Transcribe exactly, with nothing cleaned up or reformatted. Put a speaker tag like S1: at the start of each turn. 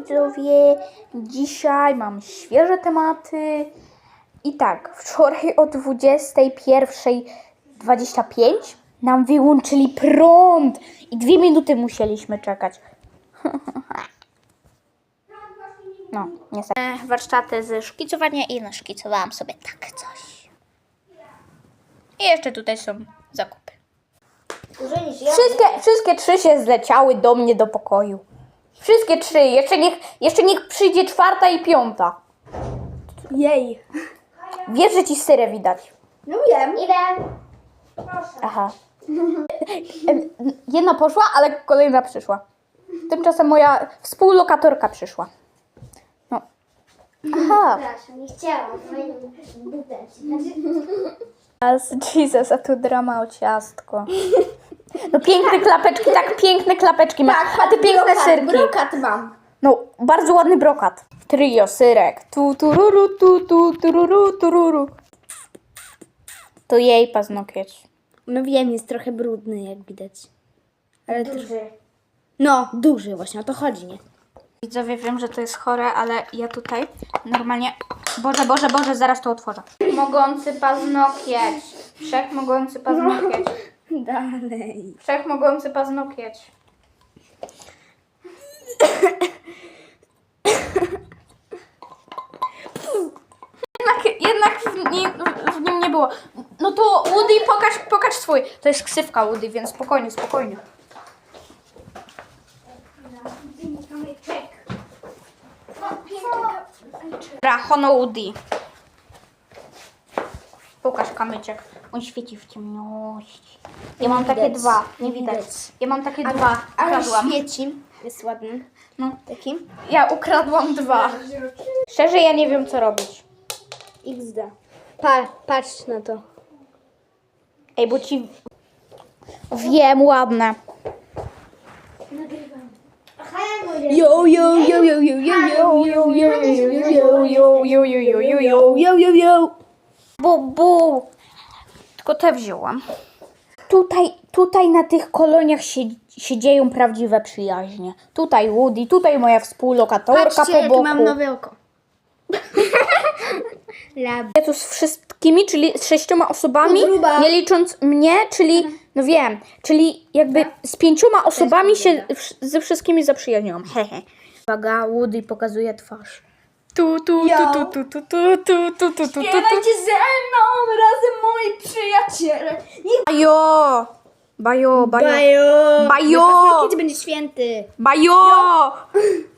S1: widzowie, dzisiaj mam świeże tematy. I tak, wczoraj o dwudziestej pierwszej dwadzieścia pięć nam wyłączyli prąd i dwie minuty musieliśmy czekać. No, niestety. Warsztaty ze szkicowania i naszkicowałam sobie tak coś. I jeszcze tutaj są zakupy. Wszystkie, wszystkie trzy się zleciały do mnie do pokoju. Wszystkie trzy. Jeszcze niech, jeszcze niech przyjdzie czwarta i piąta.
S2: Jej.
S1: Wiesz, że ci syrę widać.
S2: No wiem.
S3: Idę.
S1: Aha. Jedna poszła, ale kolejna przyszła. Tymczasem moja współlokatorka przyszła. No. Aha.
S3: Przepraszam, nie chciałam. Fajną butelki.
S1: Jesus, a tu drama o ciastko. No piękne klapeczki, tak piękne klapeczki masz. A ty piękne
S2: brokat,
S1: syrki.
S2: Brokat mam.
S1: No, bardzo ładny brokat. Trio, syrek. Tu, tururu, tu, tu, tururu, tururu. To jej paznokieć.
S2: No wiem, jest trochę brudny, jak widać. Ale
S3: Duży.
S2: No, duży właśnie, o to chodzi, nie?
S1: Widzowie, wiem, że to jest chore, ale ja tutaj normalnie... Boże, Boże, Boże, zaraz to otworzę. Mogący paznokieć. Wszechmogący paznokieć.
S2: Dalej.
S1: Wszechmogący paznokieć. Jednak, jednak w, nim, w nim nie było. No to Woody, pokaż, pokaż swój. To jest ksywka Woody, więc spokojnie, spokojnie. Dobra, Hono Woody. Pokaż kamyczek. On świeci w ciemności. Ja mam takie
S2: widać,
S1: dwa. Nie
S2: nie
S1: widać.
S2: widać.
S1: Ja mam takie dwa.
S2: Ale
S1: Ukradłam.
S2: świeci. Jest ładny.
S1: No.
S2: Taki?
S1: Ja ukradłam dwa. Szczerze, ja nie wiem, co robić.
S2: iks de. Pa, patrz na to.
S1: Ej, bo ci... Wiem, ładne.
S3: Aha, ja mówię.
S2: Yo, yo, yo, yo, yo, yo, yo, yo, yo, yo, yo,
S1: jo, jo, jo, jo, jo.
S2: yo, yo, yo.
S1: Bu, bu. Tylko te wzięłam. Tutaj, tutaj na tych koloniach się, się dzieją prawdziwe przyjaźnie. Tutaj Woody, tutaj moja współlokatorka
S2: Patrzcie,
S1: po
S2: jakie
S1: boku.
S2: mam nowe oko. Lab.
S1: Ja tu z wszystkimi, czyli z sześcioma osobami,
S2: Gruba.
S1: nie licząc mnie, czyli, no wiem, czyli jakby z pięcioma osobami się wsz- ze wszystkimi zaprzyjaźniłam. Hehe. Uwaga, Woody pokazuje twarz. Tu, tu,
S2: Yo.
S1: tu, tu, tu, tu, tu, tu, tu, tu, tu, tu.
S2: Śpiewajcie ze mną razem, moi przyjaciele. Niech
S1: Bajo! Bajo, bajo.
S2: Bajo.
S1: Bajo.
S2: Kiedy będzie święty?
S1: Bajo!